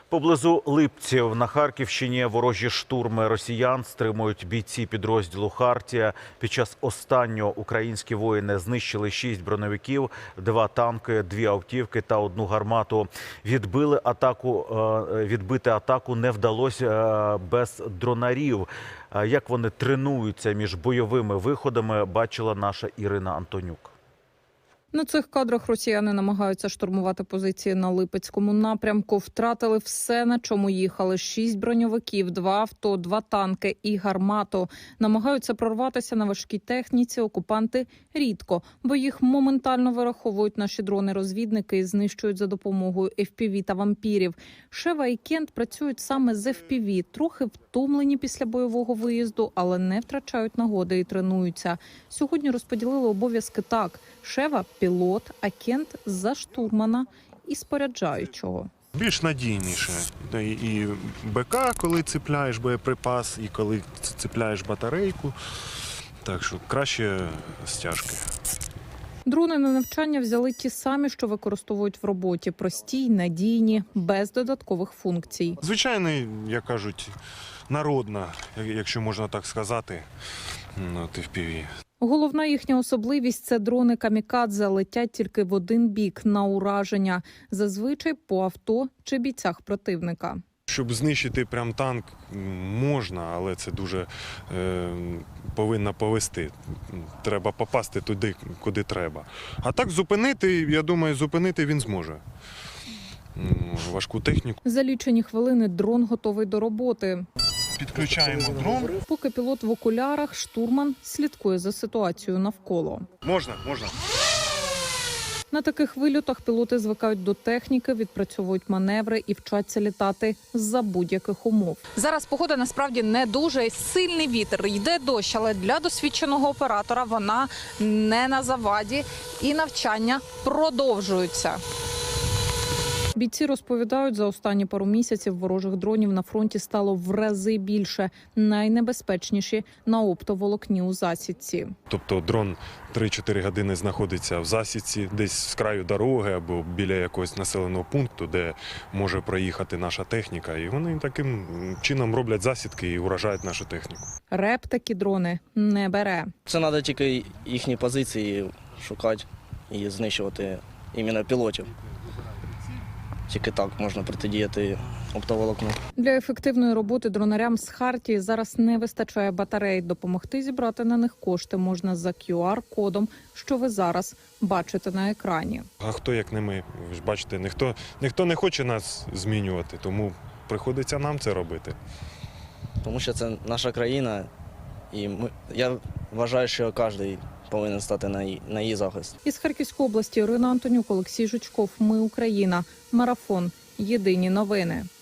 Поблизу Липців на Харківщині ворожі штурми росіян стримують бійці підрозділу «Хартія». Під час останнього українські воїни знищили 6 броневиків, 2 танки, 2 автівки та 1 гармату. Відбити атаку не вдалося без дронарів. Як вони тренуються між бойовими виходами, бачила наша Ірина Антонюк. На цих кадрах росіяни намагаються штурмувати позиції на Липецькому напрямку. Втратили все, на чому їхали. 6 броньовиків, 2 авто, 2 танки і гармату. Намагаються прорватися на важкій техніці окупанти рідко, бо їх моментально вираховують наші дрони-розвідники і знищують за допомогою FPV та вампірів. Шева і Кент працюють саме з FPV, трохи втомлені після бойового виїзду, але не втрачають нагоди і тренуються. Сьогодні розподілили обов'язки так. Шева – пілот, а Кент – за штурмана і споряджаючого. Більш надійніше. І БК, коли цепляєш боєприпас, і коли цепляєш батарейку. Так що краще стяжки. Дрони на навчання взяли ті самі, що використовують в роботі. Прості, надійні, без додаткових функцій. Звичайний, як кажуть, народна, якщо можна так сказати, FPV. Головна їхня особливість – це дрони камікадзе, летять тільки в один бік, на ураження. Зазвичай по авто чи бійцях противника. Щоб знищити прям танк можна, але це дуже повинно повести. Треба попасти туди, куди треба. А так зупинити, я думаю, зупинити він зможе. Важку техніку. За лічені хвилини дрон готовий до роботи. Підключаємо дрон. Поки пілот в окулярах, штурман слідкує за ситуацією навколо. Можна. На таких вильотах пілоти звикають до техніки, відпрацьовують маневри і вчаться літати за будь-яких умов. Зараз погода насправді не дуже, сильний вітер, йде дощ, але для досвідченого оператора вона не на заваді і навчання продовжуються. Бійці розповідають, за останні пару місяців ворожих дронів на фронті стало в рази більше. Найнебезпечніші на оптоволокні у засідці. Тобто дрон 3-4 години знаходиться в засідці, десь з краю дороги або біля якогось населеного пункту, де може проїхати наша техніка. І вони таким чином роблять засідки і уражають нашу техніку. РЕП такі дрони не бере. Це треба тільки їхні позиції шукати і знищувати іменно пілотів. Тільки так можна протидіяти оптоволокну. Для ефективної роботи дронарям з «Хартії» зараз не вистачає батарей. Допомогти зібрати на них кошти можна за QR-кодом, що ви зараз бачите на екрані. А хто, як не ми? Ви ж бачите, ніхто не хоче нас змінювати, тому приходиться нам це робити. Тому що це наша країна, і я вважаю, що кожен повинен стати на її захист. Із Харківської області Ірина Антонюк, Олексій Жучков. Ми Україна. Марафон. Єдині новини.